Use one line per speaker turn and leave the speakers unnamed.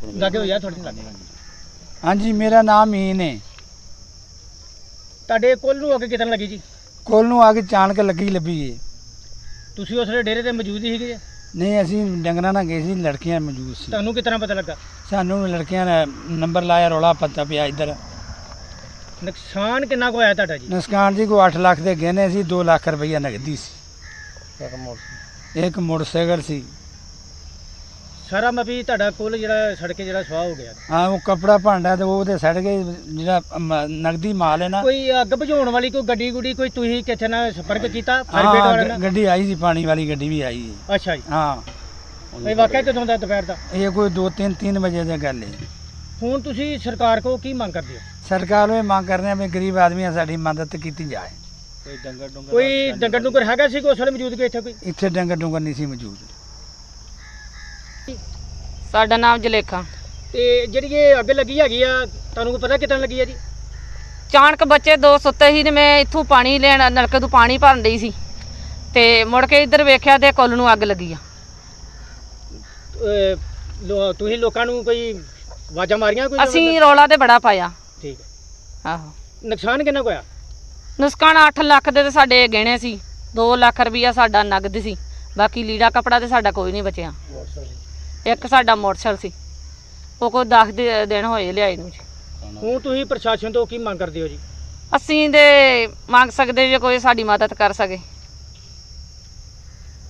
ਲੱਗੇ ਹੋਇਆ ਤੁਹਾਡੇ ਨਾਲ?
ਹਾਂਜੀ, ਮੇਰਾ ਨਾਮ ਮੀਨ ਹੈ।
ਤੁਹਾਡੇ ਕੋਲ ਨੂੰ ਅੱਗ ਕਿਤਨ ਲੱਗੀ ਜੀ?
ਕੋਲ ਨੂੰ ਆ ਕੇ ਚਾਣਕ ਲੱਗੀ ਲੱਭੀ ਏ।
ਤੁਸੀਂ ਉਸ ਵੇਲੇ ਡੇਰੇ ਤੇ ਮੌਜੂਦ ਹੀ ਸੀਗੇ?
ਨਹੀਂ, ਅਸੀਂ ਡੰਗਰਾਂ ਨਾਲ ਗਏ ਸੀ, ਲੜਕੀਆਂ ਮੌਜੂਦ ਸੀ।
ਤੁਹਾਨੂੰ ਕਿਤਨਾ ਪਤਾ ਲੱਗਾ?
ਸਾਨੂੰ ਲੜਕੀਆਂ ਨੇ ਨੰਬਰ ਲਾਇਆ, ਰੌਲਾ ਪਤਾ ਪਿਆ ਇੱਧਰ।
ਨੁਕਸਾਨ ਕਿੰਨਾ ਕੁ ਹੋਇਆ ਤੁਹਾਡਾ ਜੀ?
ਨੁਕਸਾਨ ਜੀ ਕੋਈ 8 ਲੱਖ ਦੇ ਗਹਿਣੇ ਸੀ, 2 ਲੱਖ ਰੁਪਈਆ ਨਗਦੀ ਸੀ, ਇੱਕ ਮੋਟਰਸਾਈਕਲ ਸੀ।
ਸਾਰਾ ਮਪੀ ਤੁਹਾਡਾ ਕੋਲ ਜਿਹੜਾ ਸੜ ਕੇ ਜਿਹੜਾ ਸਵਾਹ ਹੋ ਗਿਆ?
ਹਾਂ, ਉਹ ਕਪੜਾ ਭਾਂਡਾ ਤੇ ਉਹ ਤੇ ਸੜ ਗਏ। ਜਿਹੜਾ ਨਗਦੀ ਮਾਲ ਹੈ ਨਾ,
ਕੋਈ ਅੱਗ ਬੁਝਾਉਣ ਵਾਲੀ ਕੋਈ ਗੱਡੀ ਗੁੱਡੀ ਕੋਈ ਤੁਸੀਂ ਕਿੱਥੇ ਨਾਲ ਸੰਪਰਕ ਕੀਤਾ ਫਾਇਰ ਬ੍ਰਿਗੇਡ ਵਾਲਿਆਂ ਨਾਲ?
ਗੱਡੀ ਆਈ ਸੀ, ਪਾਣੀ ਵਾਲੀ ਗੱਡੀ ਵੀ ਆਈ ਹੈ।
ਅੱਛਾ ਜੀ।
ਹਾਂ,
ਇਹ ਵਾਕਿਆ ਕਦੋਂ ਦਾ ਦੁਪਹਿਰ ਦਾ?
ਇਹ ਕੋਈ 2-3 ਵਜੇ ਦੀ ਗੱਲ ਹੈ।
ਹੁਣ ਤੁਸੀਂ ਸਰਕਾਰ ਕੋਲ ਕੀ ਮੰਗ ਕਰਦੇ ਹੋ?
ਸਰਕਾਰ ਨੂੰ ਇਹ ਮੰਗ ਕਰਦੇ ਆ ਵੀ ਗਰੀਬ ਆਦਮੀਆਂ ਸਾਡੀ ਮਦਦ ਕੀਤੀ ਜਾਏ।
ਕੋਈ ਡੰਗਰ ਡੁੰਗਰ ਹੈਗਾ ਸੀ ਉਸ ਵੇਲੇ ਮੌਜੂਦ ਕਿ ਇੱਥੇ ਕੋਈ?
ਇੱਥੇ ਡੰਗਰ ਡੁੰਗਰ ਨਹੀਂ ਸੀ ਮੌਜੂਦ।
ਸਾਡਾ ਨਾਮ ਜਲੇਖਾ।
ਤੇ ਜਿਹੜੀ ਇਹ ਅੱਗ ਲੱਗੀ ਹੈਗੀ ਆ, ਤੁਹਾਨੂੰ ਕੋਈ ਪਤਾ ਕਿਤਨ ਲੱਗੀ ਆ ਜੀ?
ਚਾਣਕ ਬੱਚੇ 2 ਸੁੱਤੇ ਸੀ ਤੇ ਮੈਂ ਇੱਥੋਂ ਪਾਣੀ ਲੈਣ ਨਲਕੇ ਤੋਂ ਪਾਣੀ ਭਰਨ ਡਈ ਸੀ ਤੇ ਮੁੜ ਕੇ ਇੱਧਰ ਵੇਖਿਆ ਤੇ ਕੁੱਲ ਨੂੰ ਅੱਗ ਲੱਗੀ ਆ।
ਤੁਸੀਂ ਲੋਕਾਂ ਨੂੰ ਕੋਈ ਆਵਾਜ਼ਾਂ ਮਾਰੀਆਂ ਕੋਈ?
ਅਸੀਂ ਰੌਲਾ ਤੇ ਬੜਾ ਪਾਇਆ।
ਠੀਕ ਹੈ।
ਆਹੋ,
ਨੁਕਸਾਨ ਕਿੰਨਾ ਕੁ ਹੋਇਆ?
ਨੁਕਸਾਨ 8 ਲੱਖ ਦੇ ਤੇ ਸਾਡੇ ਗਹਿਣੇ ਸੀ, 2 ਲੱਖ ਰੁਪਈਆ ਸਾਡਾ ਨਗਦ ਸੀ, ਬਾਕੀ ਲੀੜਾ ਕਪੜਾ ਤੇ ਸਾਡਾ ਕੋਈ ਨਹੀਂ ਬਚਿਆ। ਇੱਕ ਸਾਡਾ ਮੋਟਰਸਾਈਕਲ ਸੀ, ਉਹ ਕੋਈ 10 ਦਿਨ ਹੋਏ ਲਿਆਏ ਨੂੰ ਜੀ।
ਹੁਣ ਤੁਸੀਂ ਪ੍ਰਸ਼ਾਸਨ ਤੋਂ ਕੀ ਮੰਗ ਕਰਦੇ ਹੋ ਜੀ?
ਅਸੀਂ ਤੇ ਮੰਗ ਸਕਦੇ ਜੇ ਕੋਈ ਸਾਡੀ ਮਦਦ ਕਰ ਸਕੇ।